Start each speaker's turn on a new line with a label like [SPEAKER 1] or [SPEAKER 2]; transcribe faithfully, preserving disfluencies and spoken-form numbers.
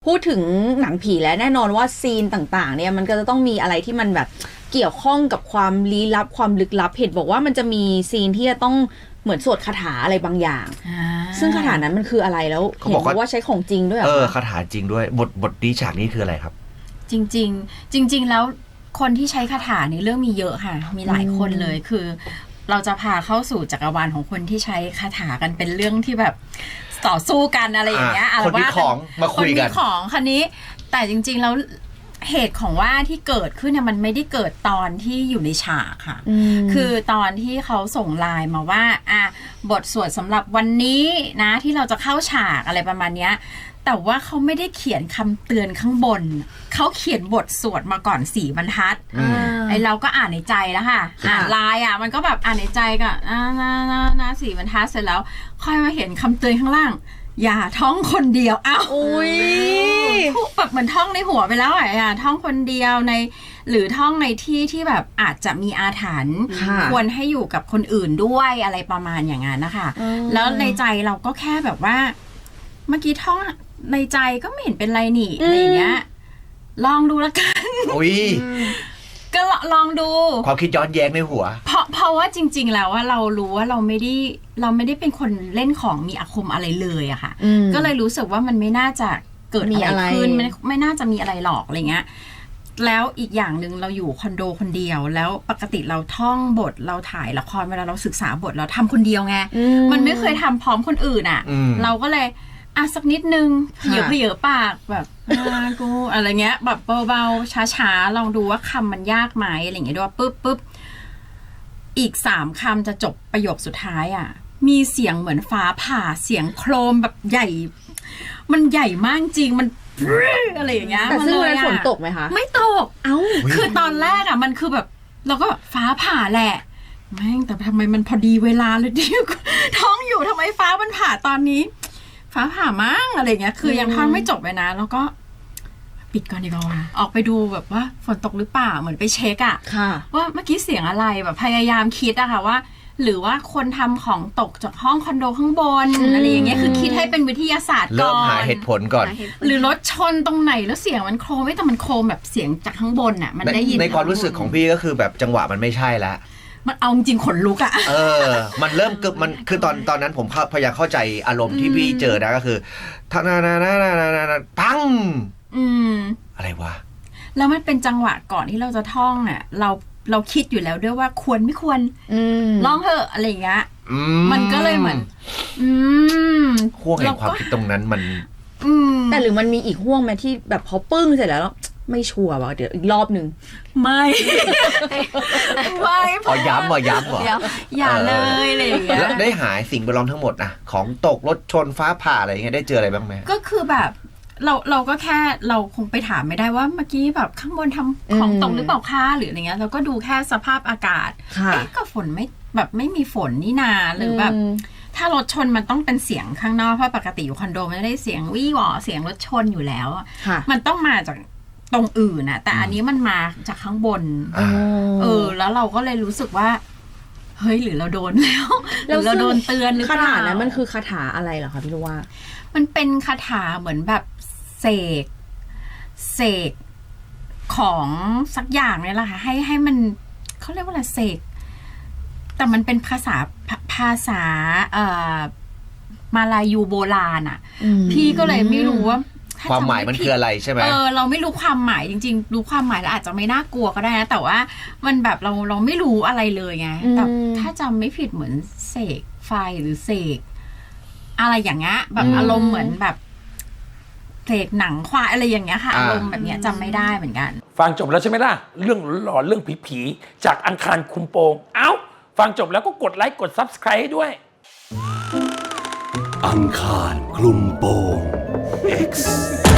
[SPEAKER 1] พูดถึงหนังผีแล้วแน่นอนว่าซีนต่างๆเนี่ยมันก็จะต้องมีอะไรที่มันแบบเกี่ยวข้องกับความลี้ลับความลึกลับเห็นบอกว่ามันจะมีซีนที่จะต้องเหมือนสวดคาถาอะไรบางอย่างซึ่งคาถานั้นมันคืออะไรแล้วเห็นบอกว่าใช้ของจริงด้วยเหรอ
[SPEAKER 2] เออคาถาจริงด้วยบทบทนี้ฉากนี้คืออะไรครับ
[SPEAKER 3] จริงๆจริงๆแล้วคนที่ใช้คาถาในเรื่องมีเยอะค่ะมีหลายคนเลยคือเราจะพาเข้าสู่จักรวาลของคนที่ใช้คาถากันเป็นเรื่องที่แบบต่อสู้กันอะไรอย่างเงี้ย
[SPEAKER 2] คนมีของมาคุยกัน
[SPEAKER 3] คนมีของคันนี้แต่จริงๆแล้วเหตุของว่าที่เกิดขึ้นเนี่ยมันไม่ได้เกิดตอนที่อยู่ในฉากค่ะคือตอนที่เขาส่งไลน์มาว่าอ่ะบทสวดสำหรับวันนี้นะที่เราจะเข้าฉากอะไรประมาณเนี้ยแต่ว่าเขาไม่ได้เขียนคำเตือนข้างบนเขาเขียนบทสวดมาก่อนสี่บรรทัดไอเราก็อ่านในใจแล้วค่ะอ่านไลน์อ่ะมันก็แบบอ่านในใจก็อ่านะนะนะสี่บรรทัดเสร็จแล้วค่อยมาเห็นคำเตือนข้างล่างอย่าท่องคนเดียวอ้าวอุ้ยแบบเหมือนท่องในหัวไปแล้วอ่ะอย่าท่องคนเดียวในหรือท่องในที่ที่แบบอาจจะมีอาถรรพ์ควรให้อยู่กับคนอื่นด้วยอะไรประมาณอย่างนั้นนะคะแล้วในใจเราก็แค่แบบว่าเมื่อกี้ท่องในใจก็ไม่เห็นเป็นไรนี่อะไรอย่างเงี้ยลองดูแล้วกัน
[SPEAKER 2] อุ้ย
[SPEAKER 3] ก็ลองดู
[SPEAKER 2] ความคิดย้อนแย้งในหัว
[SPEAKER 3] เพราะเพราะว่าจริงๆแล้วว่าเรารู้ว่าเราไม่ได้เราไม่ได้เป็นคนเล่นของมีอาคมอะไรเลยอะค่ะก็เลยรู้สึกว่ามันไม่น่าจะเกิดอะไรขึ้นไม่ไม่น่าจะมีอะไรหรอกอะไรเงี้ยแล้วอีกอย่างหนึ่งเราอยู่คอนโดคนเดียวแล้วปกติเราท่องบทเราถ่ายละครเวลาเราศึกษาบทเราทำคนเดียวไงมันไม่เคยทำพร้อมคนอื่นอะเราก็เลยอ่ะสักนิดนึงเหยอะเหยอะปากแบบกูอะไรเงี้ยแบบเบาๆช้าๆลองดูว่าคำมันยากไหมอะไรเงี้ยด้วยปุ๊บปุ๊บอีกสามคำจะจบประโยคสุดท้ายอ่ะมีเสียงเหมือนฟ้าผ่าเสียงโครมแบบใหญ่มันใหญ่มากจริงมันอะไรอย่างเงี้ย
[SPEAKER 1] แต่ซึ่งวันนั้นฝนตกไหมคะ
[SPEAKER 3] ไม่ตกเอ้าคือตอนแรกอ่ะมันคือแบบเราก็แบบฟ้าผ่าแหละแม่งแต่ทำไมมันพอดีเวลาเลยดิท้องอยู่ทำไมฟ้ามันผ่าตอนนี้ฟ้าผ่ามั่งอะไรเงี้ยคือยังท่อนไม่จบเลยนะแล้วก็ปิดก่อนดีกว่าออกไปดูแบบว่าฝนตกหรือเปล่าเหมือนไปเช็คอะว่าเมื่อกี้เสียงอะไรแบบพยายามคิดอะค่ะว่าหรือว่าคนทำของตกจากห้องคอนโดข้างบนอะไรอย่างเงี้ยคือคิดให้เป็นวิทยาศาสตร์ก่อน
[SPEAKER 2] เริ่มหาเหตุผลก่อน
[SPEAKER 3] หรือรถชนตรงไหนแล้วเสียงมันโครมไม่แต่มันโครมแบบเสียงจากข้างบนอะมันได้ยิน
[SPEAKER 2] ในความรู้สึกของพี่ก็คือแบบจังหวะมันไม่ใช่แล้ว
[SPEAKER 3] มันเอาจริงขนลุกอะ
[SPEAKER 2] เออมันเริ่มเกิดมันคือตอนตอนนั้นผมพยายามเข้าใจอารมณ์ที่พี่เจอนะก็คือท่านานานานานาปัง
[SPEAKER 3] อืม
[SPEAKER 2] อะไรวะ
[SPEAKER 3] แล้วมันเป็นจังหวะก่อนที่เราจะท่องเนี่ยเราเราคิดอยู่แล้วด้วยว่าควรไม่ควรลองเถอะอะไรอย่างเงี้ยมันก็เลยเหมือนอืม
[SPEAKER 2] ห่วงแห่งความคิดตรงนั้นมัน
[SPEAKER 1] แต่หรือมันมีอีกห่วงไหมที่แบบพอปึ้งเสร็จแล้วไม่ชัวร์ว่ะเดี๋ยวอีกรอบหนึ่ง
[SPEAKER 3] ไม่ไม่
[SPEAKER 2] พอย้ำมาย้ำเหรอ
[SPEAKER 3] อย่าเลยอะไรอย่างเงี้ย
[SPEAKER 2] แล้วได้หายสิ่งแวดล้อมทั้งหมดนะของตกรถชนฟ้าผ่าอะไรอย่างเงี้ยได้เจออะไรบ้างไหม
[SPEAKER 3] ก็คือแบบเราเราก็แค่เราคงไปถามไม่ได้ว่าเมื่อกี้แบบข้างบนทำของตกหรือเปล่าคะหรืออะไรเงี้ยเราก็ดูแค่สภาพอากาศเอ๊ะก็ฝนไม่แบบไม่มีฝนนี่นาหรือแบบถ้ารถชนมันต้องเป็นเสียงข้างนอกเพราะปกติอยู่คอนโดมันได้เสียงวี่หวอเสียงรถชนอยู่แล้วมันต้องมาจากตรงอื่นนะแต่อันนี้มันมาจากข้างบนเออแล้วเราก็เลยรู้สึกว่าเฮ้ยหรือเราโดนแล้วหรือเราโดนเตือนหรือเปล่า
[SPEAKER 1] คาถานั้นมันคือคาถาอะไรเหรอคะพี่รู้ว่า
[SPEAKER 3] มันเป็นคาถาเหมือนแบบเสกเสกของสักอย่างเนี่ยแหละค่ะให้ให้มันเขาเรียกว่าอะไรเสกแต่มันเป็นภาษาภาษาเอ่อมาลายูโบราณอ่ะพี่ก็เลยไม่รู้ว่า
[SPEAKER 2] ความหมายมันคืออะไรใช่ไหม
[SPEAKER 3] เออเราไม่รู้ความหมายจริงๆรู้ความหมายแล้วอาจจะไม่น่ากลัวก็ได้นะแต่ว่ามันแบบเราเราไม่รู้อะไรเลยไงแต่ถ้าจำไม่ผิดเหมือนเสกไฟหรือเสกอะไรอย่างเงี้ยแบบอารมณ์เหมือนแบบเสกหนังควายอะไรอย่างเงี้ยค่ะอารมณ์แบบเนี้ยจำไม่ได้เหมือนกัน
[SPEAKER 4] ฟังจบแล้วใช่ไหมล่ะเรื่องหลอนเรื่องผีๆจากอังคารคุมโปงเอ้าฟังจบแล้วก็กดไลค์กด ซับสไครบ์ ให้ด้วย
[SPEAKER 5] อังคารคลุมโปง X